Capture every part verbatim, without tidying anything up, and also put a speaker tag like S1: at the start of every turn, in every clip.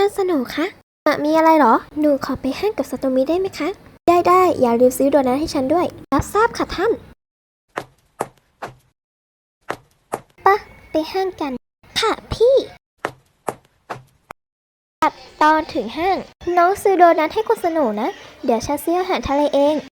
S1: านสโหนคะอะมีอะไรเหรอหนูขอไปห้างกับซาโตมิได้ไหมคะได้ได้อย่าลืมซื้อโดนัทให้ฉันด้วยรับทราบค่ะท่านปะไปห้างกันค่ะพี่ตัดตอนถึงห้างน้องซื้อโดนัทให้คุณสโหนนะเดี๋ยวฉันซื้ออาหารทะเลเอง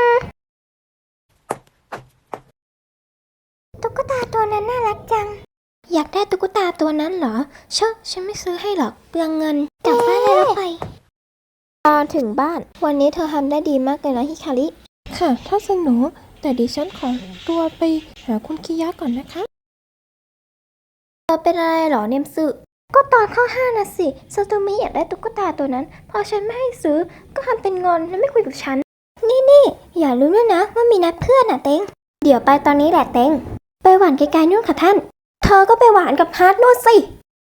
S1: ตุ๊กตาตัวนั้นน่ารักจังอยากได้ตุ๊กตาตัวนั้นเหรอเชอะฉันไม่ซื้อให้หรอกเปลืองเงินกลับบ้านได้แล้วไปตอนถึงบ้านวันนี้เธอทำได้ดีมากเลยนะฮิคาริค่ะท่านสโหนแต่ดิฉันขอตัวไปหาคุณคิยะก่อนนะคะเธอเป็นอะไรเหรอเนมสึก็ตอนเข้าห้างนะสิซาโตมิอยากได้ตุ๊กตาตัวนั้นพอฉันไม่ให้ซื้อก็ทำเป็นงอนและไม่คุยกับฉันนี่นี่อย่าลืมด้วยนะว่ามีนัดเพื่อนน่ะเต็งเดี๋ยวไปตอนนี้แหละเต็งไปหวานไกลๆนู่นค่ะท่านเธอก็ไปหวานกับฮาร์ดนู่นสิ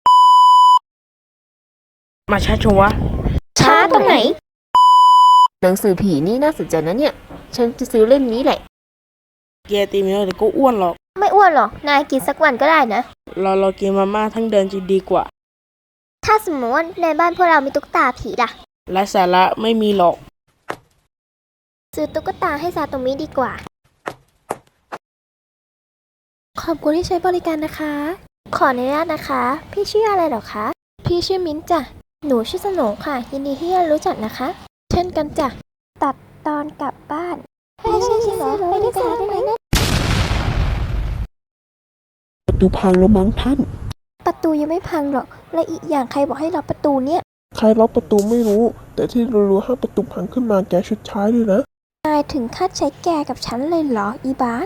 S2: มาช้าชัว
S1: ช้าตรงไหน
S3: หนังสือผีนี่น่าสนใจนะเนี่ยฉันจะซื้อเล่มนี้แหละ
S2: แกตีไม่ได้แต่ก็อ้วนหรอก
S1: ไม่อ้วนหรอกนายกินสักวันก็ได้นะ
S2: เราเรากินมาม่าทั้งเดือนจะดีกว่า
S1: ถ้าสมมติว่าในบ้านพวกเรามีตุ๊กตาผีล่ะ
S2: ไร้สาระไม่มีหรอก
S1: ซื้อตุ๊กตาให้ซาโตมิดีกว่าขอบคุณที่ใช้บริการนะคะขออนุญาตนะคะพี่ชื่ออะไรเหรอคะพี่ชื่อมิ้นจ้ะหนูชื่อสโหนค่ะยินดีที่ได้รู้จักนะคะเช่นกันจ้ะตัดตอนกลับบ้านไม่ใช่ใช่เหรอไปด้วยกันได้ไหม
S4: ประตูพังแล้วมั้งท่าน
S1: ประตูยังไม่พังหรอกและอีกอย่างใครบอกให้ล็อกประตูเนี่ย
S4: ใครล็อกประตูไม่รู้แต่ที่รู้ๆถ้าประตูพังขึ้นมาแกชุดใช้เลยนะ
S1: นายถึงคาดใช้แกกับฉันเลยเหรออีบาส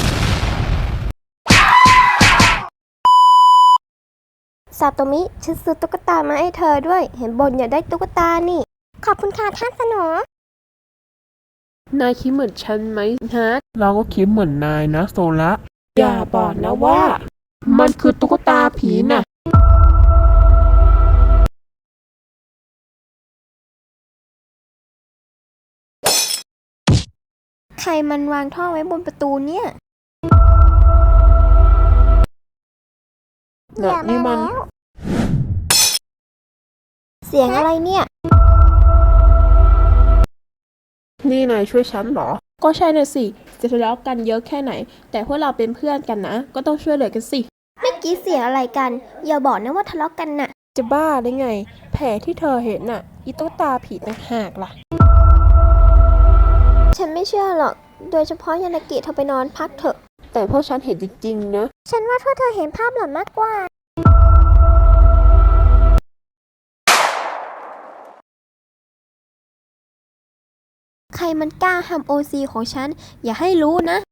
S1: ซาโตมิฉันซื้อตุ๊กตามาให้เธอด้วยเห็นบนอยากได้ตุ๊กตานี่ขอบคุณค่ะท่านสโหน
S3: นายคิดเหมือนฉันไหมฮะ
S4: เราก็คิดเหมือนนายนะโซละ
S3: อย่าบอกนะว่า มันคือตุ๊กตาผีน่ะ
S1: ใครมันวางท่อไว้บนประตูเนี่ย
S4: น่ะนี่มัน
S1: เสียงอะไรเนี่ย
S3: นี่นายช่วยฉันเหรอ
S2: ก็ใช่น่ะสิจะทะเลาะกันเยอะแค่ไหนแต่พวกเราเป็นเพื่อนกันนะก็ต้องช่วยเหลือกันสิ
S1: เมื่อกี้เสียงอะไรกันอย่าบอกนะว่าทะเลาะกันน่ะ
S2: จะบ้าได้ไงแผลที่เธอเห็นน่ะอีตุ๊กตาผีต่างหากล่ะ
S1: ฉันไม่เชื่อหรอกโดยเฉพาะยานากิเธอไปนอนพักเถอะ
S3: แต่พวกฉันเห็นจริงๆนะ
S1: ฉันว่าพวกเธอเห็นภาพหลอนมากกว่าใครมันกล้าทำโอซีของฉันอย่าให้รู้นะ